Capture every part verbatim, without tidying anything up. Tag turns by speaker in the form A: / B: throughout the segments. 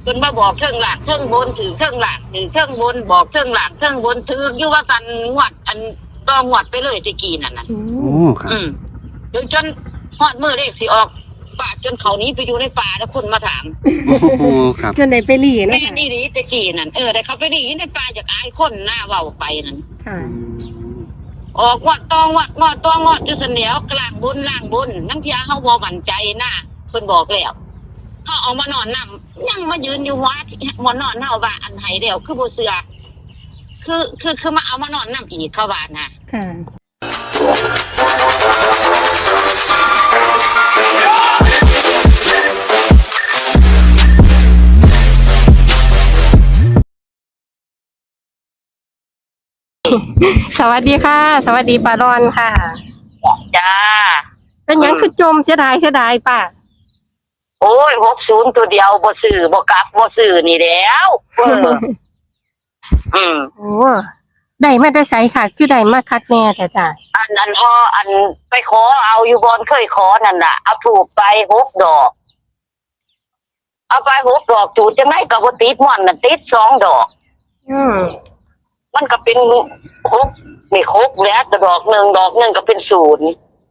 A: จนมาบอกเครื่องหลังเครื่องบนถือเครื่องหลังถือเครื่องบนบอกเครื่องหลังเครื่องบนถืออยู่ว่ากันงวดอันก็งวดไปเลยตะกี้นั่นน่ะ
B: โอ้
C: ครับ
A: อืมจนจนฮอดมือเลขสิออกป่าจนเขานี้ไปอยู่ในป่าแล้วคนมาถาม
C: โอ้โหครับ
B: จนได้ไปหลีนะ
A: แม่
B: คะ
A: นี่ดีตะกี้นั่นเออแต่เขาไปดีในป่าจากอายคนหน้าเว้าไปนั่น
B: ค่ะ
A: ออกวัดตองวัดงอดตองงอดจุดเสนียวกลางบุญล่างบุญน้ำเทียเฮาบ่มั่นใจนะเพิ่นบอกแล้วเฮาเอามานอนนำยังมายืนอยู่วัดมานอนเฮาว่าอันไหเดียวคือบ่เชื่อคือคือคือมาเอามานอนนำอีกเขาว่านะ
B: ค่ะ สวัสดีค่ะ สวัสดีป้ารอนค่ะ
A: จ้า
B: เป็นหยังคือจมเสียดายเสียดายป้า
A: โอ้ยหกสิบตัวเดียวบ่ซื้อบ่กลับบ่ซื้อนี่แล้วเอออืม
B: โอ้ได้มาได้ใช้ค่ะ คือได้มาคัดแน่แต่จ้ะ
A: อันอันพออันไปขอเอาอยู่บอนเคยขอนั่นน่ะเอาถูกไปหกดอกเอาไปหกดอกจูดจังไงก็บ่ติดม่อนน่ะติดสองดอก
B: อืม
A: มันก็เป็นหกมีหกแล้วแต่ดอกหนึ่งดอกหนึ่งก็เป็นศูนย์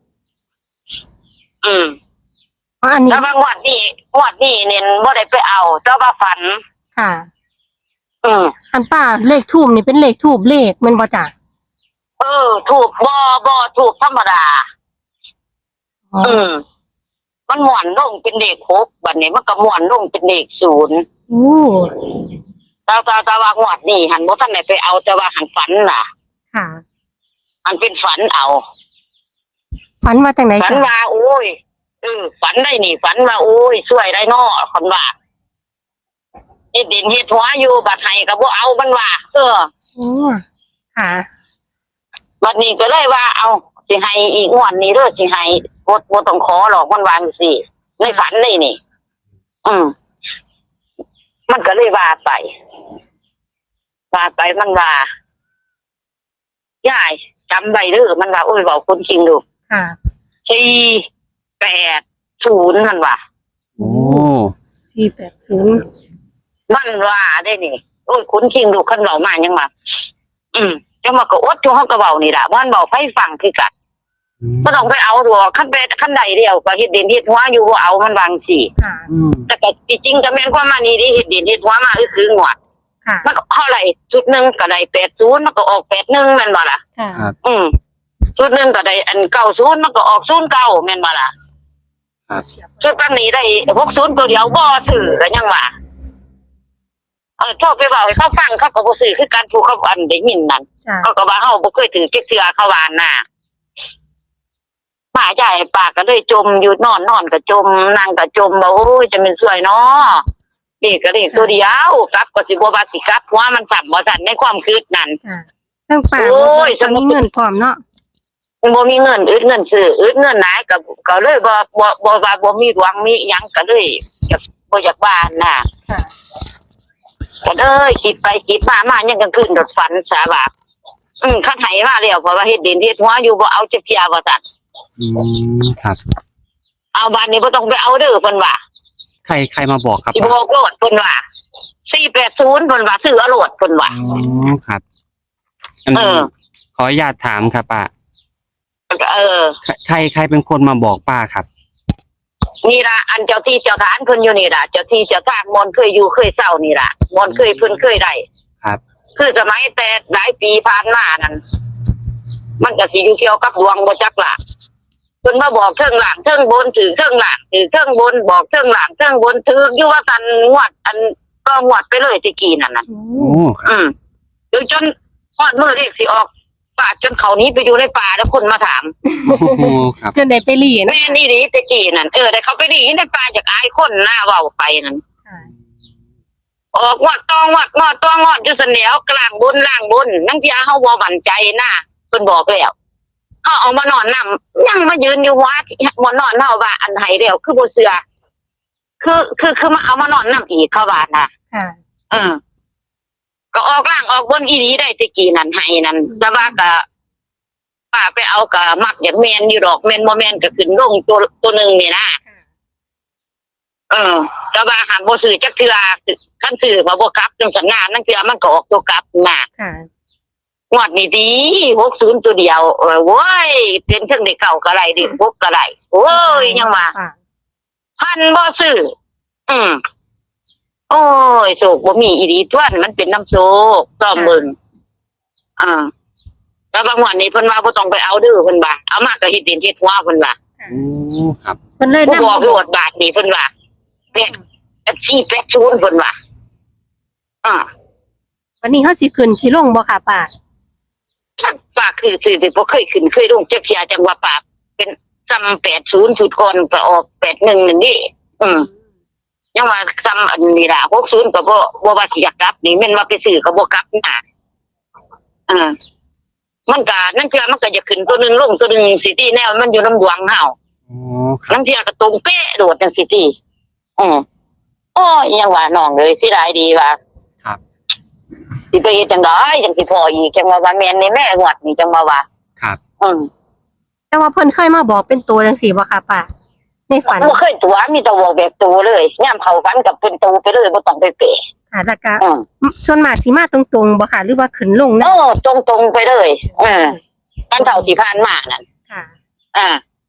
A: อืม
B: อ๋ออันนี้
A: แล้วบางวัดนี่วัดนี่เนี่ยบ่ได้ไปเอาเจ้าว่าฝัน
B: ค่ะ
A: อืม
B: อันป้าเลขทูบนี่เป็นเลขทูบเลขแมันบ่จ้ะ
A: เออ ถูกบ่บ่ถูกธรรมดา
B: อ๋อ
A: อืม มันหม่วนลงเป็นเลขหกบัดนี้มันก็หม่วนลงเป็นเลขศูนย์
B: โอ้
A: แต่แต่แต่ว่างวดนี่หันบ่ทันได้ไปเอาแต่ว่าหันฝันน่ะ
B: ค่ะ
A: อันเป็นฝันเอา
B: ฝันมาจากไหน
A: ฝัน
B: จ้ะ
A: ว่าโอ้ยเออฝันได้นี่ฝันว่าโอ้ยช่วยได้น้อคนว่าเฮ็ดดินเฮ็ดหัวอยู่บัดให้ก็บ่เอามันว่าเออ
B: โอ้ค่ะ
A: บัดนี้ก็เลยว่าเอาสิให้อีกงวดนี้เด้อสิให้บ่บ่ต้องขอหรอกมันวาจังซี่ในฝันนี่นี่ อืมมันก็เลยว่าไปว่าไปมันว่ายายจำไว้เด้อมันว่าโอ้ยเว้าคนจริงดู
B: ค่ะ
A: สี่แปดศูนย์มันว่า
C: โอ้
B: สี่แปดศูนย์
A: มันว่าได้นี่โอ้ยคุณคิงดูคันเบามายังมาอืมจังมาก็อดจูเฮาก็เบานี่ล่ะมันเบาไฟฟังคือกันบ่ต้องไปเอาดอกคันไปคันใดเดียวก็เฮ็ดดินเฮ็ดหัวอยู่บ่เอามันบางสิ
B: ค่ะ
C: อืม
A: แต่ก็จริงๆก็แม่นความมานี่ดิเฮ็ดดินเฮ็ดหัวมาคือคืองวด
B: ค่ะ
A: มันก็เท่าไหร่ชุดหนึงก็ได้แปดสิบมันก็ออกแปดสิบเอ็ดแม่นบ่ล่ะ
B: ค่ะ
C: ครับ
A: อืมชุดหนึงก็ได้อันเก้าสิบมันก็ออกศูนย์เก้าแม่นบ่ล่ะ
C: ครับ
A: ชุดปันนี้ได้หกสิบตัวเดียวบ่ซื้อก็ยังว่าเออโทษไปบอกให้เขาฟังเขาก็บ่ซื้อคือการถูกเขาอันได้ยินนั่น
B: จ้ะ
A: เขาก็ว่าเฮาบ่เคยถือเก็บเสือเขาวานน่ะป้าใหญ่ป้าก็เลยจมอยู่นอนนอนก็จมนั่งก็จมว่าโอ้ยจะเป็นสวยเนาะนี่ก็นี่ตัวเดียวกลับก็สิบ่ว่าสิกลับเพราะว่ามันสั่นบ่สั่นในความคิดนั่น
B: จ้ะเรื่องป่า
A: โอ้ย
B: จะมีเงินพร้อมเนาะ
A: มันบ่มีเงินอึดเงินซื้ออึดเงินหลายก็ก็เลยบ่บ่บ่ว่าบ่มีหวังมีหยังก็เลยจะบ่อยากบ้านน่ะ
B: ค่ะ
A: ก็เลยคิดไปคิดมามายังกลางคืนดดฝันสาบาอืมคันให้มาแล้วเพราะว่าเฮ็ดดินเฮ็ดหัวอยู่บ่เอาจักเที่ยว่าซั่น
C: อืมครับ
A: เอาบ้านนี้บ่ต้องไปเอาเด้อเพิ่นว่า
C: ใครใครมาบอกครับ
A: สิบอกโลดเพิ่นว่าสี่แปดศูนย์เพิ่นว่าซื้อเอาโลดเพิ่นว่า
C: อ๋อครับอัน
A: เอ
C: นี้
A: อ
C: ขออนุญาตถามครับป้า
A: เออ
C: ใครใครใครเป็นคนมาบอกป้าครับ
A: นี่ล่ะอันเจ้าที่เจ้าทานเพิ่นอยู่นี่ล่ะเจ้าที่เจ้าทางมนต์เคยอยู่เคยเศร้านี่ล่ะมนต์เคยเพิ่นเคยได้
C: ครับ
A: คือสมัยแต่หลายปีผ่านมานั่นมันก็สิอยู่เกี่ยวกับดวงบ่จักล่ะเพิ่นมาบอกเทิงหลังเทิงบนถือเทิงหลังถือเทิงบนบอกเทิงหลังเทิงบนถืออยู่ว่ากันงวด อันก็งวดไปเลยตะกี้นั่นน่ะ
B: โอ้
C: โอ้ครับ
A: อืมจนจนฮอดมื้อเลขสิออกป่าจนเขานี้ไปอยู่ในป่าแล้วคนมาถาม
C: โอ้โหครับ
B: จนได้ไปหลีนะ
A: แม่นี่ดีตะกี้นั่นเออแต่เขาไปดีในป่าจากอายคนหน้าเว้าไปนั่น
B: ค่ะ
A: ออกงวดตองงวดงอดตองงอดอยู่เสนียวกลางบนล่างบนนั่งที่เฮาบ่มั่นใจนะเพิ่นบอกแล้วเฮาเอามานอนนำยังมายืนอยู่วัดมานอนเฮาว่าอันไหเดียวคือบ่เชื่อคือคือคือมาเอามานอนนำอีกเขาว่าน่ะ
B: ค่ะ
A: เออ ก็ออกล่างออกบนอีหลีได้ตะกี้นั่นให้นั่นแต่ว่าก็ป้าไปเอาก็มักอย่างแม่นอยู่ดอกแม่นบ่แม่นก็ขึ้นลงตัวตัวนึงนี่นะเออแต่ว่าหากบ่ซื้อจักเทื่อคันซื้อมาบ่กลับจังสันนานั่นคือมันก็ออกตัวกลับน่ะ
B: ค่ะ
A: งวดนี้ดีหกสิบตัวเดียวเออโว้ยเป็นถึงได้เก่าก็ได้ดิพกก็ได้โอ้ยยังว่า
B: ค่ะ
A: พันบ่ซื้ออืมโอ้ยโศกบ่มีอีหลีทวนมันเป็นน้ำโศกซ่อมเบิ่งอ่าแล้วบางวันนี้เพิ่นว่าบ่ต้องไปเอาเด้อเพิ่นว่าเอามาก็เฮ็ดดินเฮ็ดหัวเพิ่นว่า
C: โอ้ครับ
B: เพิ่นเลย
A: ผู้
B: นำ
A: บอกโลดบาทนี่เพิ่นว่าเป็ดแท็กซี่แปดศูนย์เพิ่นว่าอ่า
B: วันนี้เฮาสิขึ้นสิลงบ่ค่ะป้า
A: ป้าคือสิบ่เคยขึ้นเคยลงจักเที่ยจังว่าป้าเป็นซ้ำแปดศูนย์ชุดก่อนก็ออกแปดหนึ่งนั่นนี่อืมยังว่าซ้ำอันนี้ล่ะหกสิบก็บ่บ่ว่าสิอยากกลับนี่แม่นว่าไปซื้อก็บ่กลับน่ะอ่ามันก็นั่นคือมันก็จะขึ้นตัวหนึงลงตัวหนึงสิที่แนวมันอยู่น้ำดวงเฮา
C: โอ้ครับ
A: นั่นเที่ยก็ตรงเป๊ะโดดจังสิที่อือโอ้ยยังว่าน้องเลยสิได้ดีว่า
C: ครับ
A: สิไปเฮ็ดจังได๋จังสิพออีกจังว่าว่าแม่นนี่แม่งวดนี่จังว่าว่า
C: ครับ
A: อืม
B: แต่ว่าเพิ่นเคยมาบอกเป็นตัวจังซี่บ่ค่ะป้าในฝัน
A: บ่เคยตัวมีแต่บอกแบบตัวเลยยามเข้าฝันกับเป็นตัวไปเลยบ่ต้องไปเปะ
B: ค่ะแล้วก็
A: อืม
B: ส่วนมากสิมาตรงๆบ่ค่ะหรือว่าขึ้นลง
A: เอ
B: นะ
A: อตรงๆไปเลยเออกันเฒ่าสิผ่านมานั่น
B: ค่ะ
A: อ่า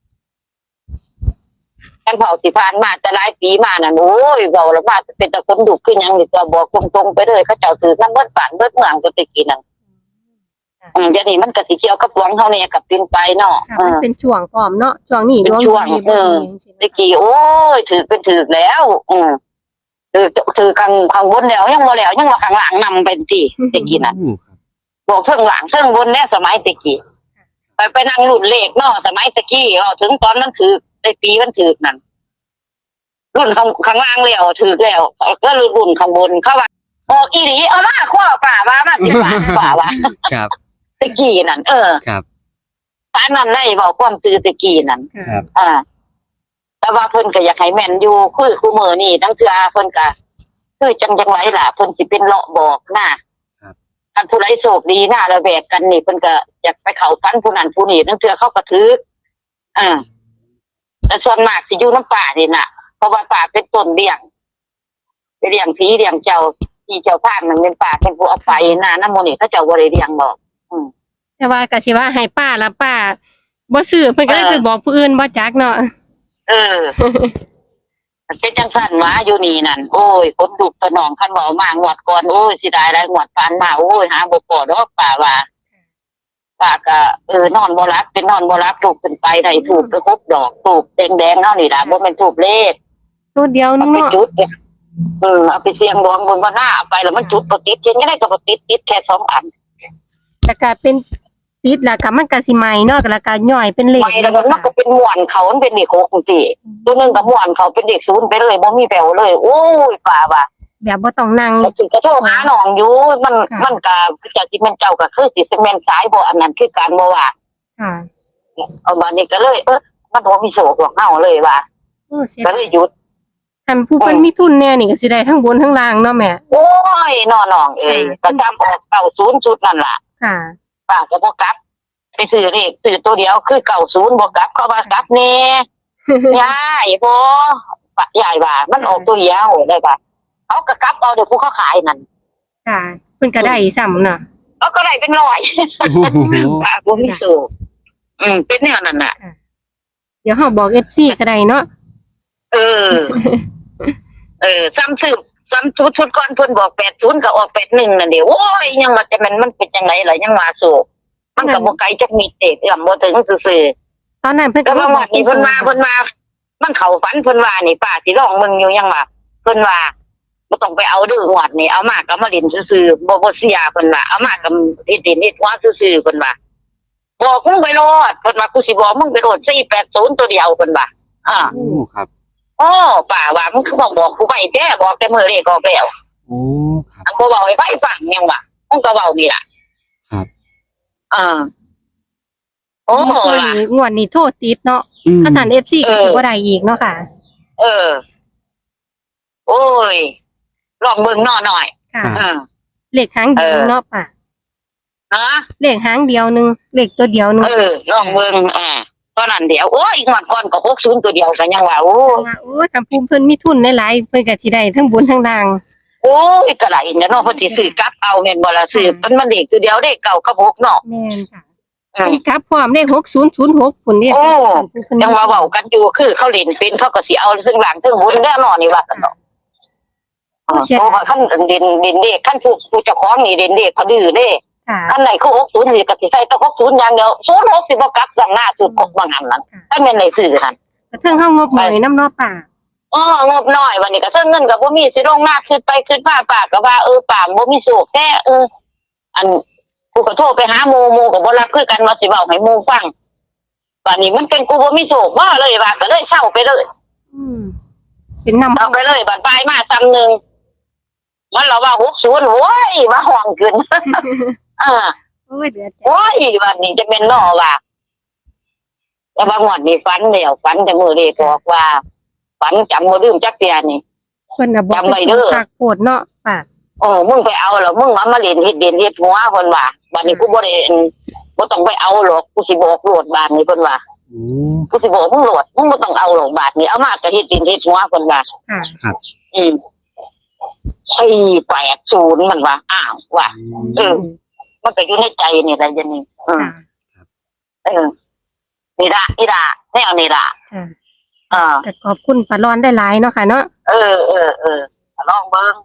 A: กันเฒ่าสิผ่านมาแต่หลายปีมานั่นโอ้ยเว้าแล้วว่าเป็นตะคนดุคือหยังนี่ก็บอกตรงๆไปเลยเขาเจ้าถือนำเบิดบ้านเบิดเมืองก็ตะกี้นั่นอืมเดี๋ยวนี้มันก็สิเกี่ยวกับหวังเฮาเนี่ยกับเป็นไปเนาะ
B: ค่ะ
A: เอ
B: มัน
A: อ
B: เป็นช่วงพร้อมเนาะช่วงนี้
A: เป็น
B: ดวง
A: ช่วง
B: ดี
A: เอ
B: บ่
A: อ
B: ดีจังซี่
A: ตะกี้โอ้ยถือเป็นถือแล้ว อืมถือถือข้างข้างบนแล้วยังบ่แล้วยังว่าข้างหลังนำเป็นที่ตะกี้นั่น
C: โอ้ครับ
A: บอกเพิ่งหลังเพิ่งบนเนี่ยสมัยตะกี้ไปไปนั่งรุ่นเลขเนาะสมัยตะกี้อ๋อถึงตอนมันถือได้ปีมันถือนั่นรุ่นข้างข้างล่างแล้วถือแล้วก็รุ่นข้างบนเขาว่าออกอีหลีเอามาข้อป่าว่ามาสิบาทป่าว่า
C: ครับ
A: ตะกี้นั่นเออ
C: ครับ
A: ตานนั้นได้บอกความตือตะกี้นั่น
C: ครับ
A: อ่า แต่ว่าเพิ่นก็อยากให้แม่นอยู่คือคู่มือนี่ทั้งเทื่อเพิ่นก็คือจังจังไรล่ะเพิ่นสิเป็นเลาะบอกนะท่านผู้ใดโชคดีนะระแวกกันนี่เพิ่นก็อยากไปเข้าฝันผู้นั้นผู้นี้ทั้งเทื่อเขาก็ถืออ่าแต่ส่วนมากสิอยู่น้ำป่านี่น่ะเพราะว่าป่าเป็นต้นเลี้ยงไปเลี้ยงผีเลี้ยงเจ้าที่เจ้าพานมันเป็นป่าเป็นผู้เอาไปนะน้ำมันนี่เขาเจ้าบ่ได้เลี้ยงบอก
B: แต่ว่าก็สิว่าให้ป้าละป้าบ่ซื้อเพิ่นก็เลยไปบอกผู้อื่นบ่จักเนาะ
A: เออ เป็นจังสั่นหมาอยู่นี่นั่นโอ้ยคนดุสนองคันเบามางวดก่อนโอ้ยสิได้ได้งวดฟันมาโอ้ยหาบ่พอดอกป่าว่าป่าก็เออนอนบ่รับเป็นนอนบ่รับถูกขึ้นไปได้ถูกไปครบดอกถูกแดงๆเนาะนี่ล่ะบ่แม่นถูกเลข
B: ตัวเดียวนึ
A: เอา
B: ง
A: ไป
B: เนาะ
A: จุดเนี่ยเออเอาไปเสี่ยงดวงบนว่าหน้าเอาไปแล้วมันจุดบ่ติดเช่นก็ได้ก็บ่ติดติดแค่สองอัน
B: แต่ก็เป็นติดแล้วก็มันก็สิใหม่เนาะแล้วก็ย่อยเป็นเลข
A: ไปแล้วมันก็เป็นม่วนเขามันเป็นเด็กหกจังซี่ตัวนึงก็ม่วนเขาเป็นเด็กศูนย์ไปเลยบ่มีแปลวเลยโอ้ยป่าว่า
B: แบบบ่ต้องนั่ง
A: แล้วถึงกระโทรหาน้องอยู่มันมันก็จากที่มันเจ้าก็คือสิเป็นแม่นสายบ่อันนั้นคือการบ่ว่า
B: ค่ะ
A: เอามานี่ก็เลยเออมันบ่มีโศกหรอกเฮาเลยว่า
B: โอ้เสีย
A: ก็เลยหยุด
B: คันผู้เพิ่นมีทุนแน่นี่ก็สิได้ทั้งบนทั้งล่างเนาะแม่
A: โอ้ยน้อน้องเอ้ยก็จำออกเก้าศูนย์ชุดนั่นล่ะ
B: ค่ะ
A: ป้าก็บ่กลับไปซื้อเลขซื้อตัวเดียวคือเก้าศูนย์บ่กลับเขาว่ากลับแน่ยายบ่ป้ายายว่ามันออกตัวเดียวได้ป่ะเขาก็กลับเอาเดี๋ยวผู้เขาขายนั่น
B: ค่ะเพิ่นก็ได้ซ้ำเนาะ
A: เขาก็ได้เป็นร้อย
C: โอ้โห
A: ป้าบ่มีโศกอืมเป็นแนวนั้นน่ะ
B: เดี๋ยวเฮาบอก เอฟ ซี ก็ได้เนาะ
A: เออ เออซ้ำซื้อซ้ำชุดชุดก่อนเพิ่นบอกแปดศูนย์ก็ออกแปดหนึ่งนั่นเดียวโอ้ยยังว่าแต่มันมันเป็นจังไดล่ะยังว่าโศกมันก็บ่ไกลจักมีเตะเอื้อมบ่ถึงซื่อ
B: ตอนนั้นเพิ่น
A: ๆแต่
B: ก็
A: ว่า
B: บ
A: วั
B: อก
A: นนี้เพิ่นมาเพิ่นมามันเข้าฝันเพิ่นว่านี่ป้าสิลองมึงอยู่ยังว่าเพิ่นว่าบ่ต้องไปเอาดื้องวดนี่เอามาก็มาเล่นซื่อๆบ่บ่เสียเพิ่นว่าเอามาก็เฮ็ดดินเฮ็ดหัวซื่อๆเพิ่นว่าบอกมึงไปโลดเพิ่นว่ากูสิบอกมึงไปโลดสี่แปดศูนย์ตัวเดียวเพิ่นว่าอ่า
C: โอ้ครับ
A: โอ้ป่าว่ามึงคือบอกบอกกูไปแท้บอกแต่มือเลขออกแล้ว
C: โอ้ครับ
A: อันกูบอกให้ไปฟังยังวะมึงก็เว้านี่ล่ะ
C: ครับ
A: อ่าโอ้
B: เมื่อคืน
A: ล่ะ
B: นี้งวดนี้โทษติดเนาะ
C: อืม
B: ถ้าท่าน เอฟ ซี
A: เอ
B: ก็
A: อ
B: สิบ่ได้อีกเนาะค่ะ
A: เออ โอ้ยลองเบิ่งหน่อหน่อย
B: ค่ะ
A: อืม
B: เลขหางเดียวเนาะป่ะ
A: ฮะ
B: เลขหางเดียวหนึงเลขตัวเดียวหนึง
A: เออลองเบิ่งอ่าตอนนั้นเดี๋ยวโอ้ยอีกงวดก่อนก็หกศูนย์ตัวเดียวกันยังว่าโอ้
B: ว่าโอ้ยคำพูดเพิ่นมีทุนหลายๆเพิ่นก็สิได้ทั้งบุญทั้งล่าง
A: โอ้ยก็หลายเนาะเนาะเพิ่นสิซื้อกลับเอาแม่นบ่ล่ะซื้อมันมันเด็กตัวเดียวเด้เก่ากับหกเนาะ
B: แม่นค่ะ
A: อืม
B: เพิ่นกลับพร้อมเลขหกศูนย์ศูนย์หกพุ่นเด้
A: โอ้
B: คำพูดเพิ่น
A: ยังว่าเว้ากันอยู่คือเขาเล่นเป็นเขาก็สิเอาซึ่งหลังซึ่งบุญแน่นอนนี่ว่ากันเนาะเออเพราะว่าคันเด่นเด่นเด็กคันผู้ผู้เจ้าของนี่เด่นเด็กเขาดื้อเด้
B: ค่ะ
A: คันไหนคือหกศูนย์นี่ก็สิใส่แต้องหกศูนย์อย่างเดียวศูนย์หกสิบ่กลับดังหน้าสุดกบบางหันนั้นถ้าแม่นได้ซื้อหั่น
B: กระเทิงเฮางบหน่อยน้ำเนาะป่า
A: อ๋องบน้อยวันนี้ก็เทิงเงินก็บ่มีสิลงหน้าขึ้นไปขึ้นมาปากก็ว่าเออปากบ่มีโชคแท้เอออันกูก็โทรไปหาหมู่หมู่ก็บ่รับคือกันว่าสิเว้าให้หมู่ฟังบัดนี้มันเป็นกูบ่มีโชคบ่เลยว่าก็เลยเช่าไปเลย
B: อืมเป็นนำ
A: เอาไปเลยบัดปลายมาซ้ำนึงมันเราว่าหกศูนย์โว้ยมาห้องขึ้น เออ
B: โอ้ยเดือดใจ
A: โอ้ยวันนี้จะเป็นนอว่าแล้วบางวันนี่ฝันเดียวฝันแต่มื้อนี้บอกว่าฝันจำบ่ลืมจักเตียนี่
B: เพิ่นน่ะบ่
A: จำไว้เด้อ
B: ฝากโพดเนาะป่า
A: โอ้มึงไปเอาเหรอมึงมามาเล่นเฮ็ดเด่นเฮ็ดหัวเพิ่นว่าบัดนี้กูบ่ได้อั่นบ่ต้องไปเอาหรอกกูสิบอกโลดบาดนี้เพิ่นว่า
C: โอ้
A: กูสิบอกมึงโลดมึงบ่ต้องเอาหรอกบาดนี้เอามาก็เฮ็ดเด่นเฮ็ดหัวเพิ่นว่า
B: ค่ะ
A: อืมสี่แปดศูนย์มันว่าอ้าวว่า เออ มันก็อยู่ในใจนี่แหละจังนี้อืม
B: ค่ะ
A: เออนี่ล่ะนี่ล่ะแนวนี่ล่ะ
B: ค่ะ
A: เออ
B: แต่ขอบคุณป้าร้อนได้หลายเนาะค่ะเนาะ
A: เออเออเออลองเบิ่ง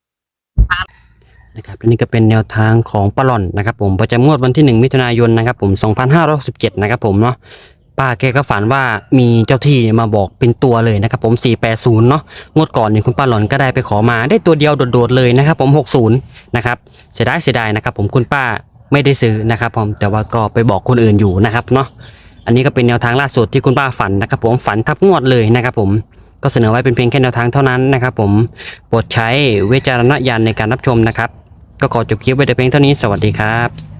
D: นะครับอันนี้ก็เป็นแนวทางของปลาหล่อนนะครับผมประจำงวดวันที่หนึ่งมิถุนายนนะครับผมสองพันห้าร้อยหกสิบเจ็ดนะครับผมเนาะป้าแกก็ฝันว่ามีเจ้าที่มาบอกเป็นตัวเลยนะครับผมสี่แปดศูนย์เนาะงวดก่อนเนี่ยคุณป้าหล่อนก็ได้ไปขอมาได้ตัวเดียวโดดๆเลยนะครับผมหกสิบนะครับเสียดายเสียดายนะครับผมคุณป้าไม่ได้ซื้อนะครับผมแต่ว่าก็ไปบอกคนอื่นอยู่นะครับเนาะอันนี้ก็เป็นแนวทางล่าสุดที่คุณป้าฝันนะครับผมฝันทับงวดเลยนะครับผมก็เสนอไว้เป็นเพียงแค่แนวทางเท่านั้นนะครับผมโปรดใช้วิจารณญาณในการรับชมนะครับก็ขอจบคลิปไว้แต่เพียงเท่านี้สวัสดีครับ